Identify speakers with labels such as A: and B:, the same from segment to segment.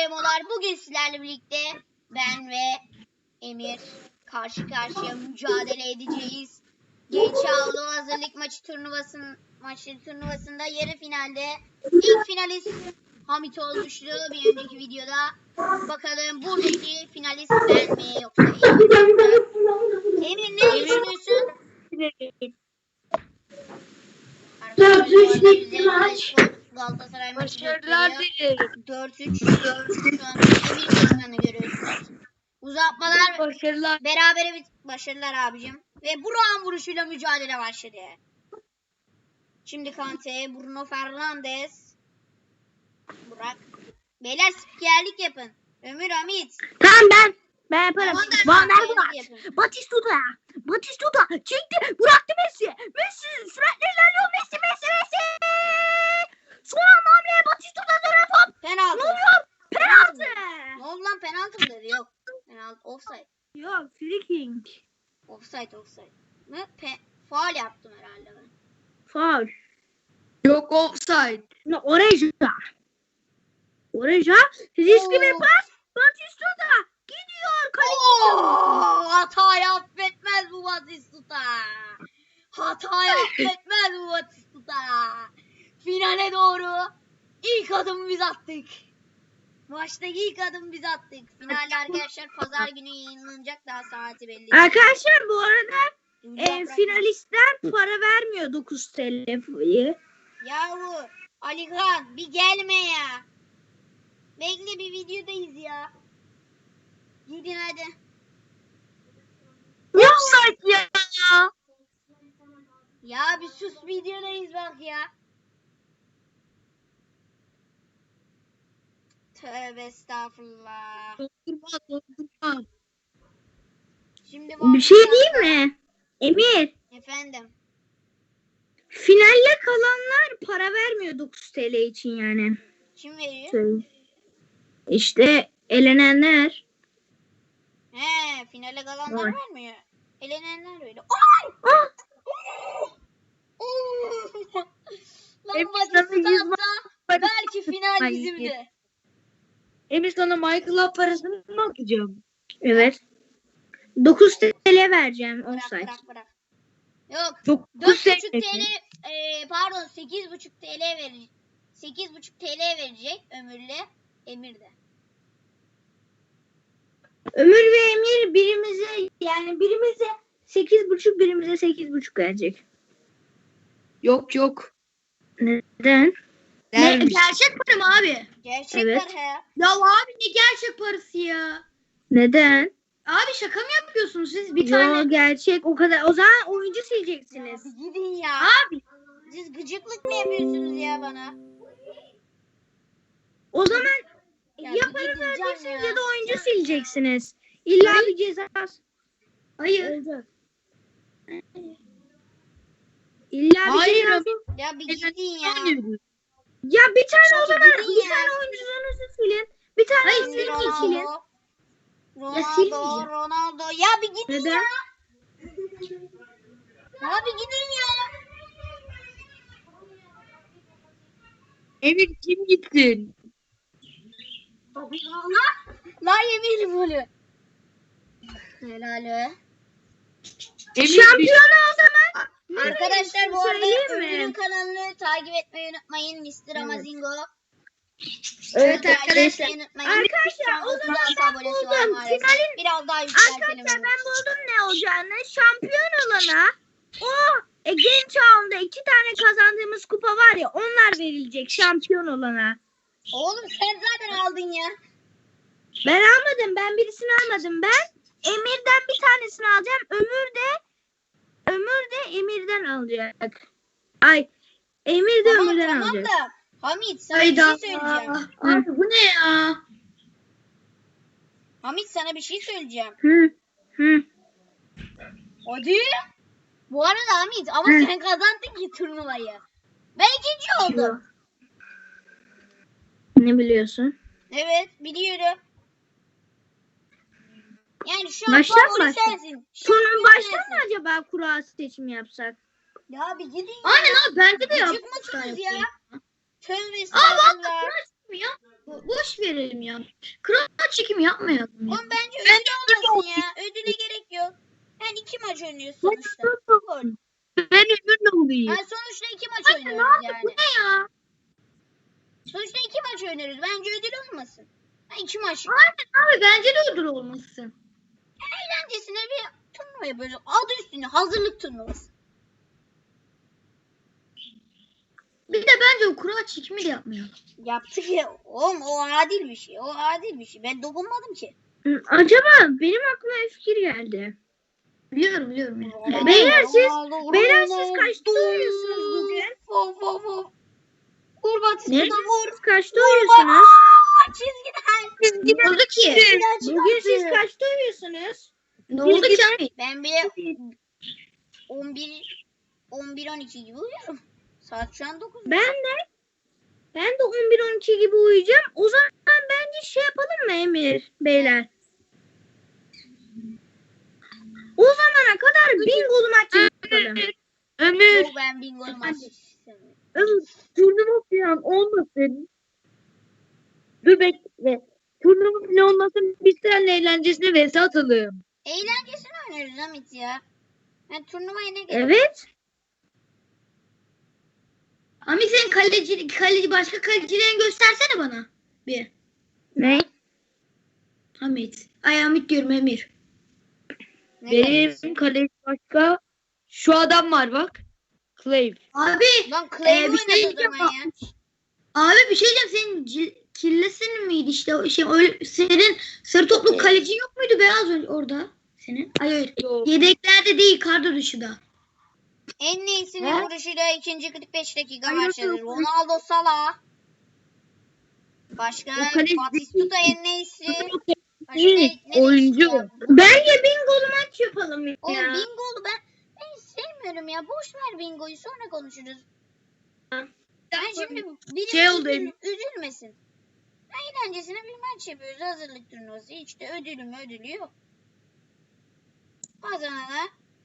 A: Emolar. Bugün sizlerle birlikte ben ve Emir karşı karşıya mücadele edeceğiz. Genç Avlu hazırlık turnuvasında yarı finalde ilk finalist Hamit olmuştu bir önceki videoda. Bakalım buradaki finalist ben mi yoksa Emir mi? Emir ne düşünüyorsun?
B: 4-3 maç.
A: Galatasaray maçı
B: Başarılar dilerim.
A: 4-3 şu an Emir kazananı görüyorsunuz. Uzatmalar
B: Başarılar.
A: berabere başarılar abicim. Ve Burak'ın vuruşuyla mücadele başladı. Şimdi Kante, Bruno Fernandes. Burak. Beyler spikerlik yapın. Ömür Hamit.
C: Tamam ben yaparım. Van der
A: Spikerlik
C: Vaart.
A: yapın.
C: Batistuta çekti, bıraktı Messi. Messi sürekli ilerliyor. Messi. Son anda hamle Batistuta dönen top.
A: Penaltı.
C: Ne oluyor? Penaltı.
A: Ne oldu lan, penaltı mı dedi? Yok. Penaltı. Offside.
C: Yok, free kick.
A: Offside. Ne? Faul yaptım herhalde ben.
C: Faul.
B: Yok offside.
C: No, Oreja. Riskli bir pas. Batistuta gidiyor.
A: Hatayı affetmez bu Batistuta. Hatayı affetmez bu Batistuta. Finale doğru ilk adımı biz attık. Maçtaki ilk adımı biz attık. Finalde arkadaşlar pazar günü yayınlanacak, daha saati belli.
C: Arkadaşlar bu arada
A: Yaprak-
C: finalistler para vermiyor 9 TL'yi.
A: Yahu Alihan bir gelme ya. Bekle, bir videodayız ya. Gidin hadi.
C: Ne offside ya?
A: Ya bir sus, videodayız bak ya. Tövbe estağfurullah.
B: Doldurma.
A: Şimdi
C: Bir şey diyeyim mi? Emir,
A: Efendim.
C: finalle kalanlar para vermiyor 9 TL için yani.
A: Kim veriyor?
C: İşte elenenler.
A: He, finale kalanlar
C: Var.
A: vermiyor. Elenenler veriyor.
C: Ah!
A: Lan
B: Hep
A: Batistuta
B: sana 100
A: atsa belki final bizimdi.
B: Emir sana Michael'a parasını mı atacağım?
C: Evet. 9 TL vereceğim
A: Bırak
C: offside.
A: bırak. Yok.
B: 9
A: 4,5 TL pardon 8,5 TL verecek. 8,5 TL verecek Emir de.
C: Ömür ve Emir birimize 8,5 birimize 8,5 verecek.
B: Yok.
C: Neden?
B: Vermiş.
C: Gerçek para mı abi?
A: Gerçekler
C: Evet.
A: he.
C: Ya abi ne gerçek parası ya? Neden?
B: Abi şaka mı yapıyorsunuz siz?
C: Yo, gerçek o kadar. O zaman oyuncu
A: Ya
C: sileceksiniz.
A: bir gidin ya.
C: Abi.
A: Siz gıcıklık mı yapıyorsunuz ya bana?
C: O zaman
A: Ya
C: ya
A: bir
C: para
A: gideceğim
C: vereceksiniz
A: ya.
C: ya da oyuncu sileceksiniz. İlla bir ceza.
B: Hayır.
C: İlla bir
B: Hayır
C: ceza.
B: abi.
A: Ya bir gidin ya.
C: Ya bir tane o zaman
A: Gidin
C: bir
A: ya.
C: tane oyuncunuzu silin. Bir tane
A: Şimdi
C: oyuncunuzu silin.
A: Ronaldo. Ronaldo. Ya bir gidin
C: Neden?
A: ya. Ya bir gidin ya.
B: Emir kim gitsin?
A: La yemin golü. Helal.
B: Emir
C: Şampiyonu o zaman.
A: Arkadaşlar bu arada
C: Söyleyeyim mi?
A: Ömür'ün kanalını takip etmeyi unutmayın. Mr. Amazingo.
C: Evet
A: Takip
C: arkadaşlar.
A: etmeyi unutmayın.
C: Arkadaşlar
A: Şu an
C: o zaman
A: 36
C: ben
A: abonesi var
C: buldum.
A: maalesef.
C: Finalin
A: Biraz daha yükseltelim.
C: arkadaşlar
A: onu.
C: ben buldum ne olacağını. Şampiyon olana genç ağında 2 tane kazandığımız kupa var ya, onlar verilecek şampiyon olana.
A: Oğlum sen zaten aldın ya.
C: Ben almadım. Ben birisini almadım. Ben Emir'den bir tanesini alacağım. Ömür de Emir'den alacak. Emir de Ömür'den alacak.
A: Da Hamit sana
B: Hayda.
A: bir şey söyleyeceğim.
B: Abi bu ne ya?
A: Hamit sana bir şey söyleyeceğim.
C: Hı.
A: Hadi. Bu arada Hamit ama
C: Hı.
A: sen kazandın ki turnuvayı. Ben ikinci oldum.
C: Ne biliyorsun?
A: Evet biliyorum. Yani şu an
C: Baştan
A: favori
C: başla.
A: sensin.
C: Sonra baştan
A: sensin.
C: mı acaba kura seçimi yapsak?
A: Ya bir gidin ya.
B: Aynen abi bence de
A: Gıcık
B: yapmışlar.
A: mısınız ya? Tövbe
B: Aa
A: estağfurullah.
B: ya. Boş ver. verelim ya. Kral çekimi yapmayalım ya.
A: Oğlum bence ödül olmasın ya. Ödüle gerek yok. Yani 2 maç oynuyoruz sonuçta. Gol.
B: Ben Ömür'le olayım.
A: Yani sonuçta 2 maç oynuyoruz
C: Bu
A: yani.
C: ne ya?
A: Sonuçta 2 maç oynuyoruz. Bence ödül olmasın. 2 maç.
B: Abi bence de ödül olmasın.
A: Eğlencesine bir turnuva yapıyoruz. Adı üstünde hazırlık turnuvası.
B: Bir de bence o kura çekimi de yapmayalım.
A: Yaptık ya. Oğlum o adil bir şey. O adil bir şey. Ben dokunmadım ki.
C: Acaba benim aklıma bir fikir geldi.
B: Biliyorum ya.
C: Beyler siz kaçta uyuyorsunuz bugün?
A: Of of of. Vur Batista
C: Ne?
A: da vur.
C: Siz kaçta
A: Vur
C: uyuyorsunuz?
A: Çizgiden.
B: Ne oldu ki?
C: Bugün siz kaçta uyuyorsunuz?
B: Ne oldu ki abi?
A: Ben bile 11-12 gibi uyuyorum. Saat şu an 9.
C: Ben de 11-12 gibi uyuyacağım. O zaman bence şey yapalım mı Emir beyler? O zamana kadar bingolu maç yapalım.
B: Ömür.
A: Yok ben bingo maç istemiyorum.
B: Ömür. Turnuva falan olmasın. Dur bekle. Turnuva falan olmasın. Biz seninle eğlencesine vs atalım.
A: Eğlencesini oynuyoruz Hamit ya. Yani turnuvaya ne gerek?
C: Evet.
B: Ami sen kaleci başka kalecilerini göstersene bana. Bir.
C: Ne?
B: Hamit. Ay Hamit diyorum Emir.
A: Ne
B: Benim kaleci başka. Şu adam var bak. Clay. Abi.
A: Lan Clay
B: bir şey
A: oynadı o
B: diyeceğim.
A: zaman ya.
B: Abi bir şey diyeceğim. Senin kirlesin miydi işte o şey öyle senin sarı toplu kalecin yok muydu beyaz orada senin? Hayır. Yedeklerde değil kadro dışında.
A: En iyisinin
B: He?
A: vuruşuyla ikinci 45 dakika
B: Hayır,
A: başladı.
B: yok.
A: Ronaldo Salah. Başka
B: O kaleci
A: Batistuta en iyisi. Başka
B: değil,
A: ne
B: oyuncu.
A: değişti ya?
C: Bence bingolu maç yapalım ya.
A: Oğlum bingolu ben hiç sevmiyorum ya. Boş ver bingoyu sonra konuşuruz. Ben şimdi biri
B: Şey oldu,
A: üzülmesin. Eğlencesine bir maç yapıyoruz. Hazırlık turnuvası. Hiç de ödülü yok. Kazanana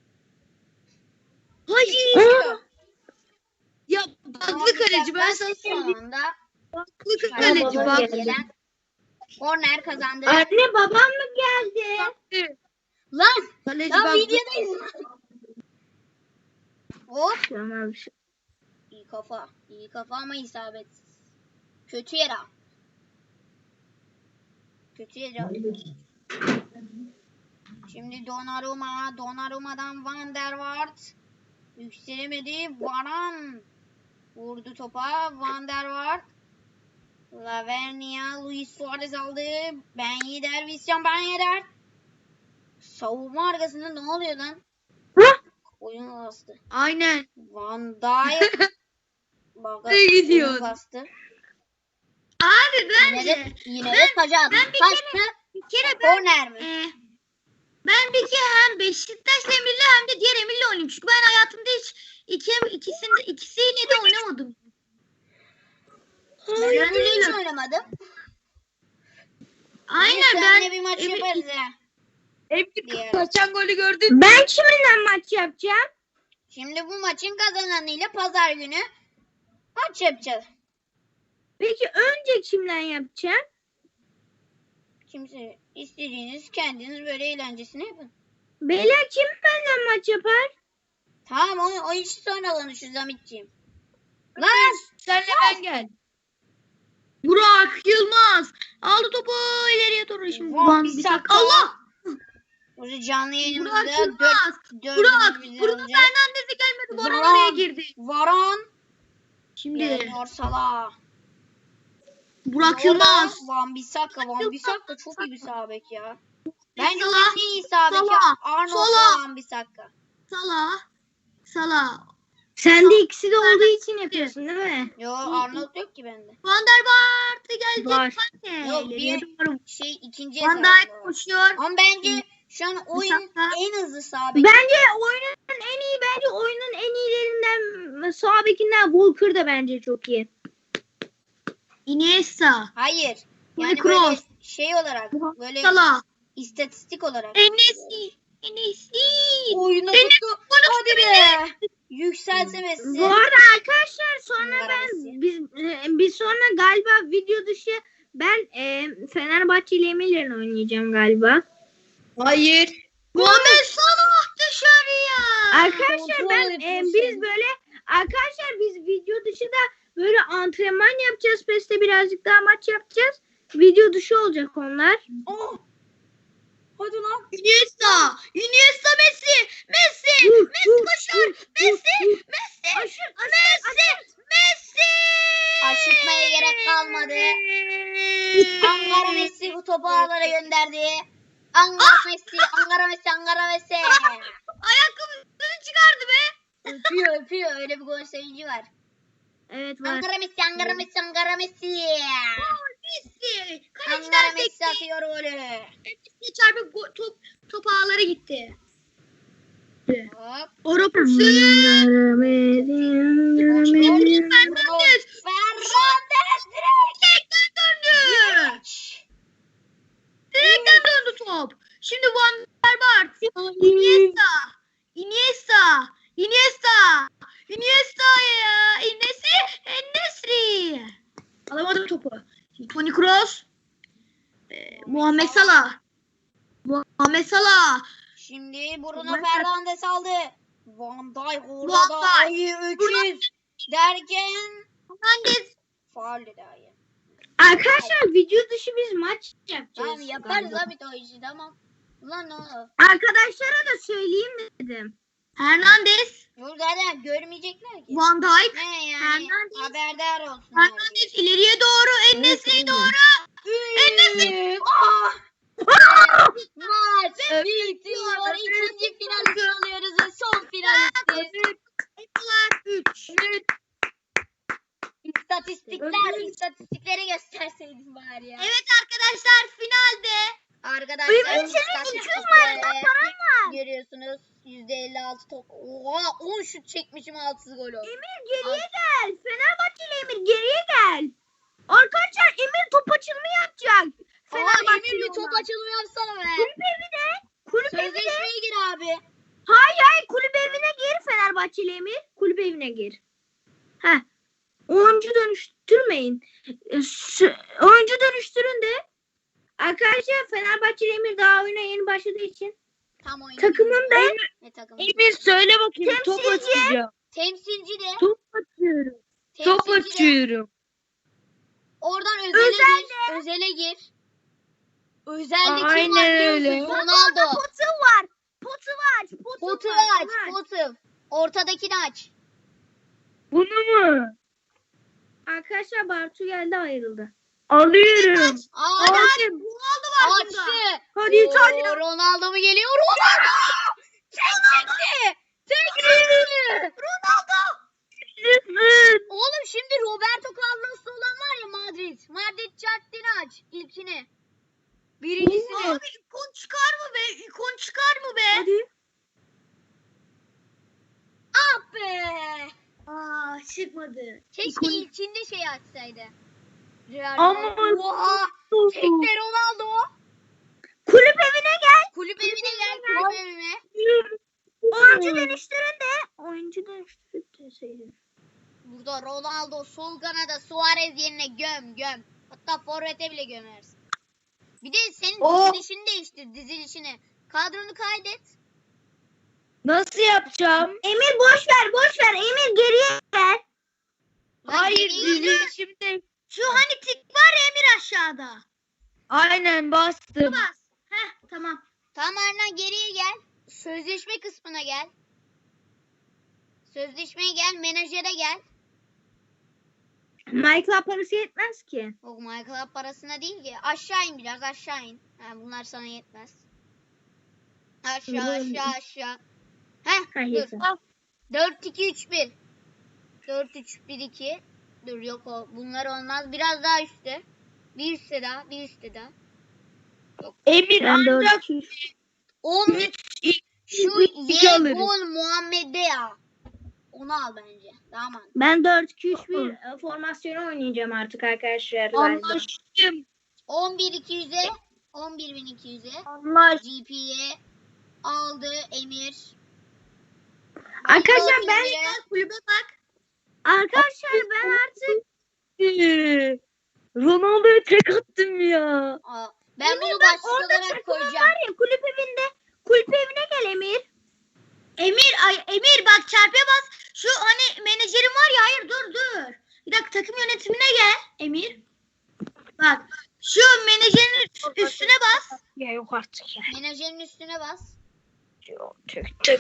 B: Hayır. Ya baklı kaleci ben sana söyleyeyim.
A: sonunda
B: Baklı
A: Çıkar.
B: kaleci
C: Baba
B: bak.
A: gelen korner kazandı.
C: Anne babam mı geldi?
A: Lan
B: Kaleci
A: lan
B: baklı.
A: videodayız. Hop.
C: Tamam.
A: İyi kafa. İyi kafa ama isabetsiz. Kötü yere. Kötü yere. Şimdi Donnarumma'dan Van der Vaart. Yükselemedi. Varane vurdu topa. Van der Vaart. Lavernia, Luis Suarez aldı. Ben Yedder, Viscan Ben Yedder. Savunma arkasında ne oluyor lan? Oyun bastı.
B: Aynen.
A: Van Dijk. Bak,
B: Ne gidiyor?
A: oyun bastı.
B: Abi
A: Yine de taca attı.
B: bir kere ben
A: Korner mi?
B: ben bir kere hem Beşiktaş'la Emir'le hem de diğer Emir'le oynadım. Çünkü ben hayatımda hiç ikisiyle de oynamadım.
A: Ben öyle hiç oynamadım.
B: Aynen
A: Seninle
B: ben
A: bir maç
B: Emir-
A: yaparız ha.
B: Emir kaçan golü gördün mü?
C: Ben kiminle maç yapacağım?
A: Şimdi bu maçın kazananıyla pazar günü maç yapacağız.
C: Peki önce kimle yapacağım?
A: Kimse istediğiniz kendiniz böyle eğlencesine yapın.
C: Beyler kim benimle maç yapar?
A: Tamam o işi sonra konuşuruz Hamitciğim. Lan!
B: Senle ben gel. Burak Yılmaz aldı topu ileriye doğru şimdi.
A: Van Bissaka.
B: Allah!
A: Burada canlı
B: Burak
A: yayınımızda
B: Yılmaz.
A: 4
B: Burak
A: bizi
B: Bruno
A: alacak.
B: Fernandes'e gelmedi. Varan
A: Varane.
B: oraya girdi.
A: Varan.
B: Şimdi
A: Leonor Salah.
B: Burak Yılmaz.
A: Van Bissaka. Van Bissaka çok iyi bir sağ bek ya. Bence
B: Salah.
A: en iyi sağ bek ya.
B: Salah.
A: Arnold
B: Salah.
A: Van Bissaka.
B: Salah.
C: Sen de ikisi de olduğu için yapıyorsun değil mi?
A: Yo Arnold yok ki bende.
B: Van der Vaart geldi.
C: Var.
A: Yok
C: İleriye
A: bir
C: doğru.
A: ikinci
B: Van
A: hesabım
B: Dijk
A: var.
B: koşuyor.
A: Ama bence şu an oyun
B: Bissaka.
A: en hızlı sağ bek.
C: Bence oyunun en iyilerinden sağ bekinden Walker da bence çok iyi.
B: Iniesta.
A: Hayır.
B: Toni
A: Yani
B: Kroos.
A: böyle şey olarak böyle
B: Salah.
A: istatistik olarak.
B: Enes'i.
A: Oyunu tuttu. Hadi be. Yükselse Messi.
C: Bu arada arkadaşlar sonra
A: Messi.
C: biz sonra galiba video dışı Ben Fenerbahçe ile Emir'le oynayacağım galiba.
B: Hayır. Muhammed Salah dışarıya.
C: Arkadaşlar
A: kontrol
C: ben
A: yapıyorsun.
C: biz video dışında böyle antrenman yapacağız. PES'te birazcık daha maç yapacağız. Video dışı olacak onlar.
A: Oh. Hadi lan.
B: Iniesta. Iniesta Messi. Messi. Messi koşar. Messi. Messi. Messi.
A: Aşırtmaya gerek kalmadı. Ankara Messi bu topu ağlara gönderdi. Ankara Messi.
B: Ayakkabısını çıkardı be.
A: Öpüyor. Öyle bir gol sevinci var.
C: Evet var.
A: Ankara Messi.
B: Messi. Kaleciden
A: Ankara Messi
B: sekti.
A: atıyor golü.
B: Messi çarpıp top ağlara gitti.
A: Hop.
B: Avrupa
A: Fernandes direkt.
B: Direkten döndü top. Şimdi Van der Vaart. Iniesta ya. En-Nesyri. Alamadım topu. Toni Kroos. Muhammed Salah.
A: Şimdi Bruno
C: Van Dijk.
A: Fernandes aldı. Van Dijk orada
B: Van
A: da
B: Dijk.
A: ayı öküz derken
B: Fernandes.
A: faul dedi ayı.
C: Arkadaşlar video dışı biz maç yapacağız.
A: Tamam yaparız
C: galiba.
A: abi o işi tamam. Ulan ne oldu?
C: Arkadaşlara da söyleyeyim dedim.
B: Hernandez.
A: Yok zaten görmeyecekler ki.
B: Van Dijk.
A: Ne yani
B: Fernandes.
A: haberdar olsun.
B: Hernandez ileriye doğru. En-Nesyri doğru.
A: En-Nesyri. Maç bitiyor. İkinci finalisti alıyoruz ve son finalisti.
B: Yapılar 3.
A: İstatistikleri gösterseydin bari ya.
B: Evet arkadaşlar finalde.
A: Arkadaşlar
C: Ümit senin 200 maçta paran var.
A: görüyorsunuz. %56 top. Oha 10 şut çekmişim 6 gol oldu.
C: Emir geriye gel. Fenerbahçeli Emir geriye gel. Arkadaşlar Emir top açılımı yapacak.
A: Emir
C: Fenerbahçeli
A: bir top
C: olan.
A: açılımı yapsana be.
C: Kulüp evine. Kulüp evine.
A: Sözleşmeye gir abi.
C: Hayır kulüp evine gir Fenerbahçeli Emir. Kulüp evine gir. Heh. Oyuncu dönüştürmeyin. Oyuncu dönüştürün de. Arkadaşlar Fenerbahçeli Emir daha oyuna yeni başladığı için.
A: Tam oyun.
C: Takımın da
A: Ne takımı?
D: Emir söyle bakayım. Top
C: Temsilci.
D: atacağım.
A: Temsilci de.
D: Top atıyorum. Top
A: Temsilci de.
D: atıyorum.
A: Oradan özele gir. Özelde kim var
D: Aynen
A: biliyor
D: öyle.
A: musun? Ronaldo.
C: Potu var.
A: Potu aç. Potu. Ortadakini aç.
D: Bunu mu?
C: Arkadaşlar Bartu geldi ayrıldı.
D: Alıyorum.
A: Hadi
B: Ronaldo var bunda.
A: açtı.
C: Hadi
A: Oo, Ronaldo mu geliyor? Ronaldo! Çekti. Oğlum şimdi Roberto Carlos'ta olan var ya Madrid. Madrid Chart'ini aç. İlkini. Birincisini.
B: Abi ikon çıkar mı be? İkon çıkar mı be?
C: Hadi.
A: Ah be.
B: Aa çıkmadı.
A: Keşke ilkinde şey açsaydı. Real
D: Ama-
A: Madrid. Oha. Tekte Ronaldo.
C: Kulüp evine gel.
A: Kulüp evine gel. Kulüp evine.
C: Oyuncu dönüştürün de. Oyuncu dönüştürüp deseydin.
A: Burada Ronaldo sol kanada Suarez yerine göm. Hatta forvete bile gömersin. Bir de senin dizilişini değiştir dizilişini. Kadronu kaydet.
D: Nasıl yapacağım?
C: Emir boş ver. Emir geriye gel.
A: Lan
D: Hayır
A: geriye gel.
D: dizilişimde.
B: Şu hani tik var ya Emir aşağıda.
D: Aynen bastım.
B: Bas. Heh tamam.
A: Tamam Arna geriye gel. Sözleşme kısmına gel. Sözleşmeye gel. Menajere gel.
C: Michael parası yetmez ki.
A: O Michael parasına değil ki. Aşağı in biraz aşağı in. Ha, bunlar sana yetmez. Aşağı. Heh
C: Hayır.
A: dur. 4-2-3-1. 4-3-1-2. Dur yok o. Bunlar olmaz. Biraz daha üstte. Bir üstte daha.
D: Emir
C: Ben de
D: ancak
A: 11. Şu
D: iki alırız.
A: Yegol Muhammed'e ya. Onu al bence. Daha mantıklı.
C: Ben 4-2-3-1 formasyonu oynayacağım artık arkadaşlar.
D: anlaştım.
A: 11.200'e 11.200'e
D: Anlaş.
A: GP'ye aldı Emir.
C: Arkadaşlar ben
A: Emir'e
B: Kulübe bak.
C: Arkadaşlar ben artık
D: Ronaldo'ya tek attım ya.
A: Aa, ben bunu
C: Emir,
A: başlık
C: orada
A: olarak
C: takımın
A: koyacağım.
C: var ya kulüp evine gel Emir.
B: Emir bak çarpıya bas. Şu hani menajerim var ya, hayır dur. Bir dakika, takım yönetimine gel Emir. Bak şu menajerin üstüne bas.
C: Ya yok artık ya.
A: Menajerin üstüne bas.
C: Tek.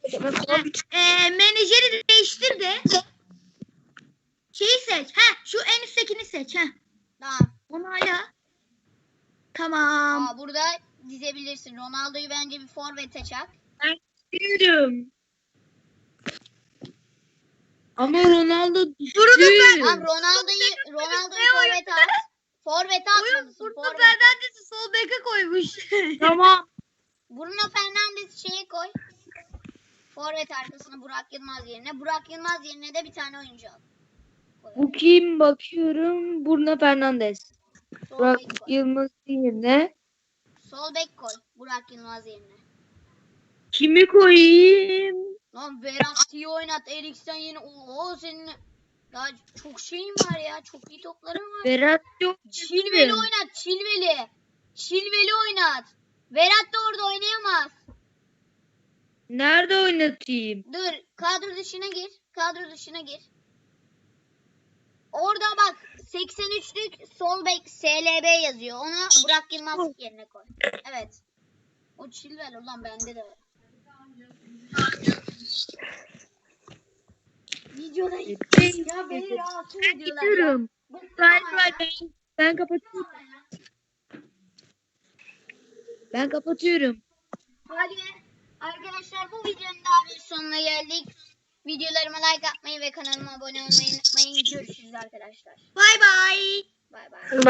B: Menajeri değiştir de. Şeyi seç. Şu en üsttekini seç.
A: Tamam.
B: Onayla. Tamam.
A: Aa, burada dizebilirsin. Ronaldo'yu bence bir forvete çak.
D: Diyorum. Ama Ronaldo düştü.
A: Tamam, Ronaldo'yu forvete at. Forvete atmalısın.
B: Bruno
A: Forvete.
B: Fernandes'i sol beke koymuş.
D: Tamam.
A: Bruno Fernandes'i şeye koy. Forvet arkasına Burak Yılmaz yerine. Burak Yılmaz yerine de bir tane oyuncu al. Koy.
D: Bu kim bakıyorum? Bruno Fernandes.
A: Sol
D: Burak
A: bek koy.
D: Yılmaz yerine.
A: Sol bek koy. Burak Yılmaz yerine.
D: Kimi koyayım?
A: Lan Verratti'yi oynat. Eriksen yeni. Oo, senin daha çok şeyin var ya. Çok iyi topların var.
D: Berat yok.
A: Chilwell'i oynat. Chilwell'i oynat. Verratti orada oynayamaz.
D: Nerede oynatayım?
A: Dur. Kadro dışına gir. Orada bak 83'lük sol bek SLB yazıyor. Onu Burak Yılmaz yerine koy. Evet. O Chilwell ulan bende de var. Videoda ya beni rahatsız ediyorlar ya.
D: Gidiyorum. Ben kapatıyorum. Ben kapatıyorum.
A: Hadi arkadaşlar, bu videonun daha bir sonuna geldik. Videolarıma like atmayı ve kanalıma abone olmayı unutmayın. Görüşürüz arkadaşlar.
B: Bay bay.
A: Bay bay.